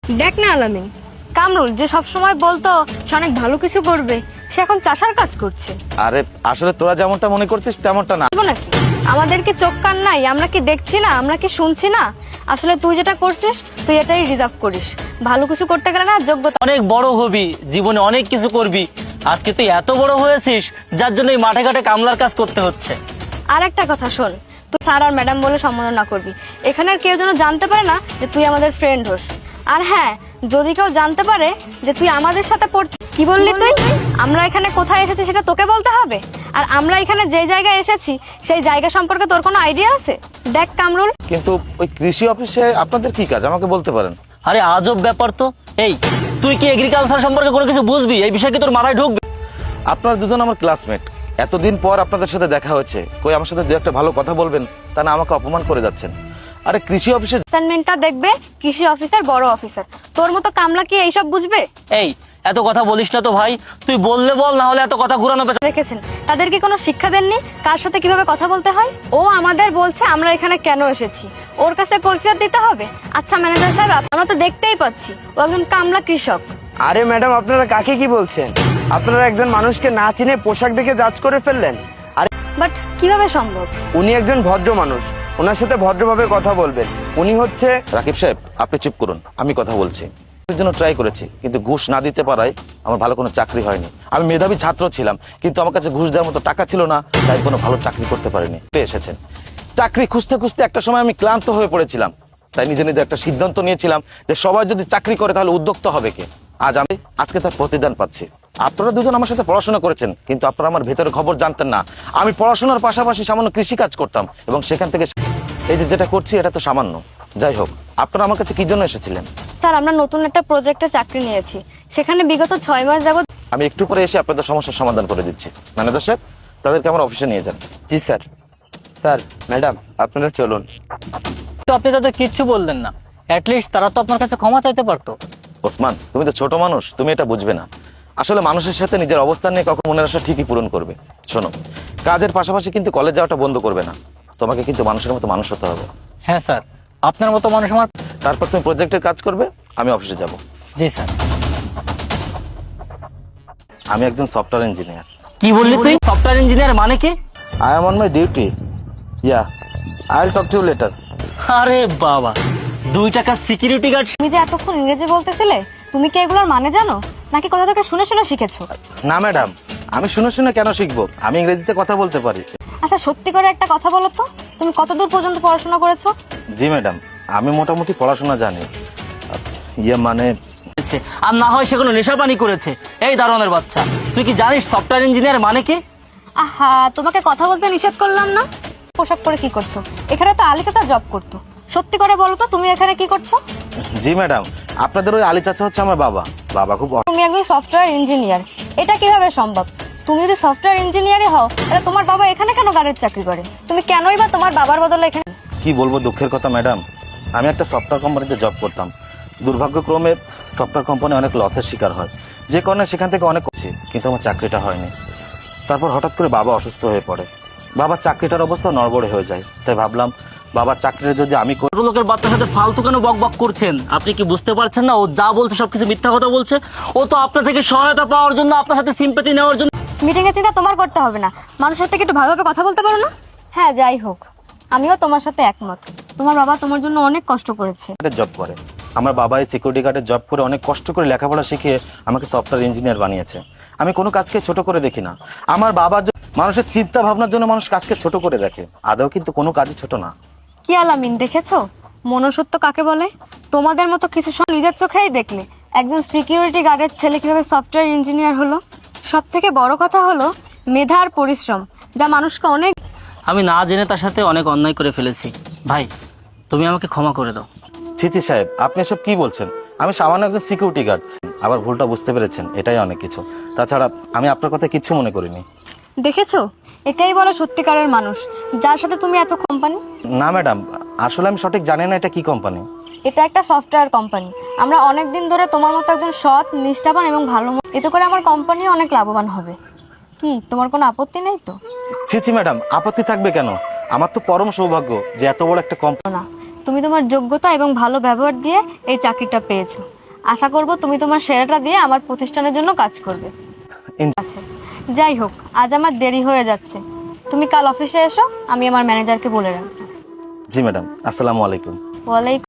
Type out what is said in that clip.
দেখ না আলামিন, কামরুল যে সব সময় বলতো সে অনেক ভালো কিছু করবে, সে এখন চাষার কাজ করছে। আরে আসলে তোরা যেমনটা মনে করছিস তেমনটা না। বলবো নাকি? আমাদের কি চোখ কান নাই? আমরা কি দেখছি না? আমরা কি শুনছি না? আসলে তুই যেটা করছিস তুই এটাই রিজার্ভ করিস। ভালো কিছু করতে গেলে না যোগ্যতা। অনেক বড় হবি, জীবনে অনেক কিছু করবি। আজকে তুই এত বড় হয়েছিস যার জন্য এই মাঠে ঘাটে কামলার কাজ করতে হচ্ছে। আর একটা কথা শোন, তুই স্যার আর ম্যাডাম বলে সম্বোধন না করবি। এখানে আর কেউ যেন জানতে পারে না যে তুই আমাদের ফ্রেন্ড হোস। আর হ্যাঁ, যদি কেউ জানতে পারে যে তুই আমাদের সাথে কি বললি তুই? আমরা এখানে কোথায় এসেছি সেটা তোকে বলতে হবে। আর আমরা এখানে যে জায়গায় এসেছি সেই জায়গা সম্পর্কে তোর কোনো আইডিয়া আছে? দেখ কামরুল, কিন্তু ওই কৃষি অফিসে আপনাদের কি কাজ আমাকে বলতে পারেন? আরে আজব ব্যাপার তো। এই তুই কি এগ্রিকালচার সম্পর্কে কোনো কিছু বুঝবি? এই বিষয়ে কি তোর মাথায় ঢুকবে? আপনারা দুজন আমার ক্লাসমেট, এতদিন পর আপনাদের সাথে দেখা হয়েছে, কই আমার সাথে দু একটা ভালো কথা বলবেন, তা না আমাকে অপমান করে যাচ্ছেন। আরে কৃষি অফিসে অ্যাসাইনমেন্টটা দেখবে কৃষি অফিসার, বড় অফিসার। তোর মতো কামলা কি এইসব বুঝবে? এই এত কথা বলিস না তো ভাই, তুই বললে বল, না হলে এত কথা ঘুরানো পেছানো। দেখেছেন তাদের কি কোনো শিক্ষা দেননি কার সাথে কিভাবে কথা বলতে হয়? ও আমাদের বলছে আমরা এখানে কেন এসেছি, ওর কাছে কৈফিয়ত দিতে হবে? আচ্ছা ম্যানেজার সাহেব, আমরা তো দেখতেই পাচ্ছি ও একজন কামলা কৃষক। আরে ম্যাডাম, আপনারা কাকে কি বলছেন? আপনারা একজন মানুষকে না চিনে পোশাক দেখে জাজ করে ফেললেন। আরে বাট কিভাবে সম্ভব? উনি একজন ভদ্র মানুষ, ওনার সাথে ভদ্রভাবে কথা বলবেন। উনি হচ্ছে রাকিব সাহেব, আপনি চুপ করুন, আমি কথা বলছি। এর জন্য ট্রাই করেছি, কিন্তু ঘুষ না দিতে পারায় আমার ভালো কোনো চাকরি হয়নি। আমি মেধাবী ছাত্র ছিলাম, কিন্তু আমার কাছে ঘুষ দেওয়ার মতো টাকা ছিল না, তাই কোনো ভালো চাকরি করতে পারিনি। পেয়ে এসেছেন চাকরি খুঁজতে খুঁজতে একটা সময় আমি ক্লান্ত হয়ে পড়েছিলাম, তাই নিজে নিজে একটা সিদ্ধান্ত নিয়েছিলাম যে সবাই যদি চাকরি করে তাহলে উদ্যোক্তা হবে কে। আজকে তার প্রতিদান পাচ্ছি। আপনারা দুজন আমার সাথে পড়াশোনা করেছেন, কিন্তু আপনারা আমার ভেতরের খবর জানতেন না। আমি পড়াশোনার পাশাপাশি সামান্য কৃষি কাজ করতাম, এবং সেখান থেকে এই যে যেটা করছি এটা তো সামান্য। যাই হোক, আপনারা আমার কাছে কি জন্য এসেছিলেন? স্যার, আমরা নতুন একটা প্রজেক্টে চাকরি নিয়েছি, সেখানে বিগত 6 মাস যাবত। আমি একটু পরে এসে আপনাদের সমস্যার সমাধান করে দিচ্ছি। ম্যানেজার সাহেব, তাদেরকে আমার অফিসে নিয়ে যান। জি স্যার। স্যার, ম্যাডাম, আপনারা চলুন। তো আপনি তাদের কিচ্ছু বললেন না, অ্যাটলিস্ট তারা তো আপনার কাছে ক্ষমা চাইতে পারতো। ওসমান, তুমি তো ছোট মানুষ, তুমি এটা বুঝবে না। আসলে মানুষের সাথে নিজের অবস্থান নিয়ে কখন মনের আশা ঠিকই পূরণ করবে। শোনো, কাজের পাশাপাশি কিন্তু কলেজ যাওয়াটা বন্ধ করবে না। তোমাকে কিন্তু মানুষের মতো মানুষ হতে হবে। হ্যাঁ স্যার, আপনার মতো মানুষ আমার। তারপর তুমি প্রজেক্টের কাজ করবে, আমি অফিসে যাব। জি স্যার। আমি একজন সফটওয়্যার ইঞ্জিনিয়ার। কি বললি তুই? সফটওয়্যার ইঞ্জিনিয়ার মানে কি? I am on my duty. Yeah, I will talk to you later. আরে বাবা, 2 টাকা সিকিউরিটি গার্ড। তুমি যে এতক্ষণ ইংরেজি বলতেছিলে, তুমি কি এগুলোর মানে জানো, নাকি কথা থেকে শুনে শুনে শিখেছো? না ম্যাডাম, আমি শুনে শুনে কেন শিখবো? আমি ইংরেজিতে কথা বলতে পারি। আচ্ছা সত্যি করে একটা কথা বলো তো, তুমি কতদূর পর্যন্ত পড়াশোনা করেছো? জি ম্যাডাম, আমি মোটামুটি পড়াশোনা জানি। ইয়ে মানে আর না হয় সেগুলো নেশাপানি করেছে। এই দারোয়ানের বাচ্চা, তুই কি জানিস সফটওয়্যার ইঞ্জিনিয়ার মানে কি? আহা, তোমাকে কথা বলতে নিষেধ করলাম না? পোশাক পরে কি করছো? এখানে তো আলী চাচা জব করতো। সত্যি করে বলো তো, তুমি এখানে কি করছো? জি ম্যাডাম, আপনাদের ওই আলী চাচা হচ্ছে আমার বাবা। বাবা খুব তুমি একজন সফটওয়্যার ইঞ্জিনিয়ার, এটা কিভাবে সম্ভব? তুমি যদি সফটওয়্যার ইঞ্জিনিয়ারই হও, তাহলে তোমার বাবা এখানে কেন গাড়ির চাকরি করে? তুমি কেনই বা তোমার বাবার বদলে এখানে? কি বলবো দুঃখের কথা ম্যাডাম, আমি একটা সফটওয়্যার কোম্পানিতে জব করতাম। দুর্ভাগ্যক্রমে সফটওয়্যার কোম্পানি অনেক লসের শিকার হয়, যে কারণে সেখান থেকে অনেক করছি, কিন্তু আমার চাকরিটা হয়নি। তারপর হঠাৎ করে বাবা অসুস্থ হয়ে পড়ে, বাবার চাকরিটার অবস্থা নড়বড়ে হয়ে যায়। তাই ভাবলাম বাবার চাকরিটা যদি আমি করি। ছোট লোকের বাচ্চার সাথে ফালতু কেন বক বক করছেন? আপনি কি বুঝতে পারছেন না ও যা বলছে সবকিছু মিথ্যা কথা বলছে? ও তো আপনার থেকে সহায়তা পাওয়ার জন্য, আপনার সাথে সিম্পাথি নেওয়ার জন্য। মিটিং এর চিন্তা তোমার করতে হবে না, মানুষের থেকে একটু ভালোভাবে কথা বলতে পারো না? হ্যাঁ, যাই হোক, আমিও তোমার সাথে একমত। তোমার বাবা তোমার জন্য অনেক কষ্ট করেছে। জব করে আমার বাবা এই সিকিউরিটি গার্ডের জব করে অনেক কষ্ট করে লেখাপড়া শিখিয়ে আমাকে সফটওয়্যার ইঞ্জিনিয়ার বানিয়েছে। আমি কোনো কাজকে ছোট করে দেখি না। আমার বাবা মানুষের চিন্তা ভাবনার জন্য মানুষ কাজকে ছোট করে দেখে, আদৌ কিন্তু কোনো কাজই ছোট না। কি আলামিন, দেখেছো মনুষ্যত্ব কাকে বলে? তোমাদের মতো কিছু সব নিজের চোখেই দেখলে একজন সিকিউরিটি গার্ডের ছেলে কিভাবে সফটওয়্যার ইঞ্জিনিয়ার হলো। সব থেকে বড় কথা হলো মেধা আর পরিশ্রম, যা মানুষকে অনেক। আমি না জেনে তার সাথে অনেক অন্যায় করে ফেলেছি। ভাই, তুমি আমাকে ক্ষমা করে দাও। ছিছি সাহেব, আপনি এসব কি বলছেন? আমি সামান্য একজন সিকিউরিটি গার্ড। আবার ভুলটা বুঝতে পেরেছেন, এটাই অনেক কিছু। তাছাড়া আমি আপনার কথা কিচ্ছু মনে করিনি। দেখেছো, এটাই বলে সত্যিকারের মানুষ, যার সাথে তুমি এত কোম্পানি। না ম্যাডাম, আসলে আমি সঠিক জানি না এটা কি কোম্পানি। এটা একটা সফটওয়্যার কোম্পানি। আমরা অনেক দিন ধরে তোমার মতো একজন সৎ, নিষ্ঠাবান এবং ভালো, এতে করে আমার কোম্পানি অনেক লাভবান হবে। কি তোমার কোনো আপত্তি নেই তো? ছি ম্যাডাম, আপত্তি থাকবে কেন? আমার তো পরম সৌভাগ্য যে এত বড় একটা কোম্পানি। না, তুমি তোমার যোগ্যতা এবং ভালো ব্যবহার দিয়ে এই চাকরিটা পেয়েছো। আশা করব তুমি তোমার সেরাটা দিয়ে আমার প্রতিষ্ঠানের জন্য কাজ করবে। আচ্ছা, যাই হোক, আজ আমার দেরি হয়ে যাচ্ছে, তুমি কাল অফিসে এসো, আমি আমার ম্যানেজারকে বলে রাখবো। জি ম্যাডাম, আসসালামু আলাইকুম। ওয়ালাইকুম